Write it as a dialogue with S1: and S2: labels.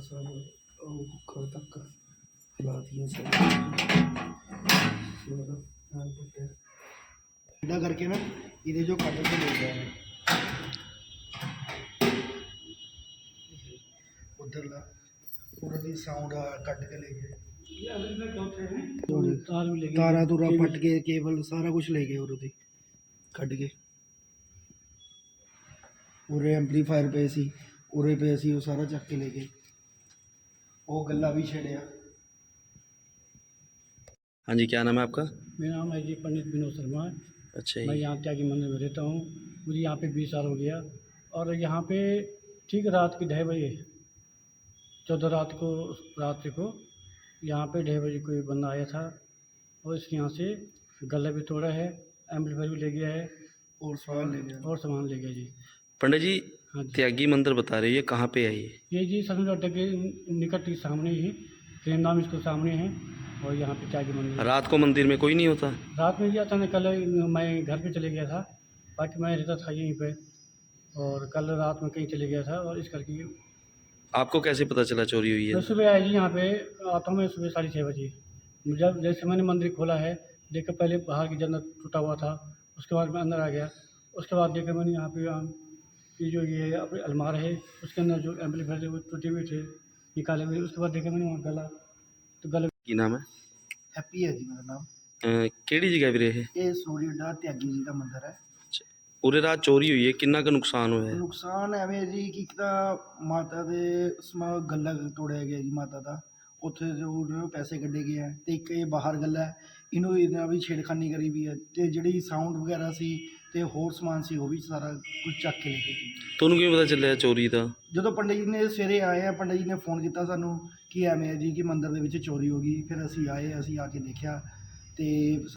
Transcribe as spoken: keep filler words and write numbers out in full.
S1: सब घर तक हिला दिया सब सीधा करके ना इधर जो काटे से ले गया है उधर ला पूरा दी साउंड कट के ले गए तारा तुरा फट के केबल सारा कुछ ले गए और कट के उरे एम्पलीफायर पे सी उरे पे सी वो सारा चक के ले गए वो गला भी छेड़िया।
S2: हाँ जी, क्या नाम है आपका?
S3: मेरा नाम है जी पंडित विनोद शर्मा।
S2: अच्छा
S3: मैं
S2: जी।
S3: यहाँ त्यागी मंदिर में रहता हूँ। मुझे यहाँ पे बीस साल हो गया और यहाँ पे ठीक रात की ढाई बजे चौदह रात को रात्रि को यहाँ पे ढाई बजे कोई बंदा आया था और इसके यहाँ से गला भी तोड़ा है, एम्पलीफायर भी ले गया है
S1: और सामान ले गया
S3: और सामान ले गया जी।
S2: पंडित जी,
S3: हाँ जी,
S2: त्यागी मंदिर बता रहे हैं, ये कहाँ पे है? ये
S3: ये जी सभी अड्डे के निकट ही सामने ही ट्रेन नाम इसको सामने है और यहाँ पे त्यागी मंदिर।
S2: रात को मंदिर में कोई नहीं होता?
S3: रात में गया था ना, कल मैं घर पे चले गया था, बाकी मैं रहता था यहीं पे और कल रात में कहीं चले गया था और इस करके
S2: आपको कैसे पता चला चोरी हुई
S3: मैं
S2: है?
S3: सुबह आया जी। यहाँ पे आता हूँ मैं सुबह साढ़े छः बजे। जब जैसे मैंने मंदिर खोला है देखकर पहले बाहर की जन्नत टूटा हुआ था, उसके बाद मैं अंदर आ गया। उसके बाद देखा मैंने यहाँ पे ये जो ये अपने अलमार है उसके अंदर जो एम्पलीफायर थे वो टूटे हुए थे, निकाले हुए। उसके बाद देखा मैंने वहाँ गला, तो गले
S2: की नाम है?
S1: हैप्पी है जी मेरा नाम।
S2: अ, केड़ी जगह भी रहे?
S1: ये सूर्य अड्डा त्यागी जी का मंदिर है।
S2: पूरे रात चोरी हुई है, किन्ना का नुकसान हुआ है?
S1: नुकसान एवें जी कि एक ਤਾਂ ਮਾਤਾ ਦੇ ਸਮਾ ਗੱਲਾ ਤੋੜਿਆ ਗਿਆ ਜੀ ਮਾਤਾ ਦਾ, ਉੱਥੇ ਜੋ ਉਹਨਾਂ ਨੂੰ ਪੈਸੇ ਕੱਢੇ ਗਏ ਹੈ ਤੇ ਇੱਕ ਇਹ ਬਾਹਰ ਗੱਲਾ ਹੈ, ਇਹਨੂੰ ਇਹਨਾਂ ਵੀ ਛੇੜਖਾਨੀ ਕਰੀ ਵੀ ਹੈ ਤੇ ਜਿਹੜੀ ਸਾਊਂਡ ਵਗੈਰਾ ਸੀ ਤੇ ਹੋਰ ਸਮਾਨ ਸੀ ਉਹ ਵੀ ਸਾਰਾ ਕੁਝ ਚੱਕ ਕੇ ਲੈ ਗਏ ਜੀ।
S2: ਤੁਹਾਨੂੰ ਕਿਵੇਂ ਪਤਾ ਚੱਲਿਆ ਚੋਰੀ ਦਾ?
S1: ਜਦੋਂ ਪੰਡਿਤ ਜੀ ਨੇ ਸਵੇਰੇ ਆਏ ਆ, ਪੰਡਿਤ ਜੀ ਨੇ ਫੋਨ ਕੀਤਾ ਸਾਨੂੰ ਕਿ ਐਵੇਂ ਹੈ ਜੀ ਕਿ ਮੰਦਿਰ ਦੇ ਵਿੱਚ ਚੋਰੀ ਹੋ ਗਈ। ਫਿਰ ਅਸੀਂ ਆਏ, ਅਸੀਂ ਆ ਕੇ ਦੇਖਿਆ ਤੇ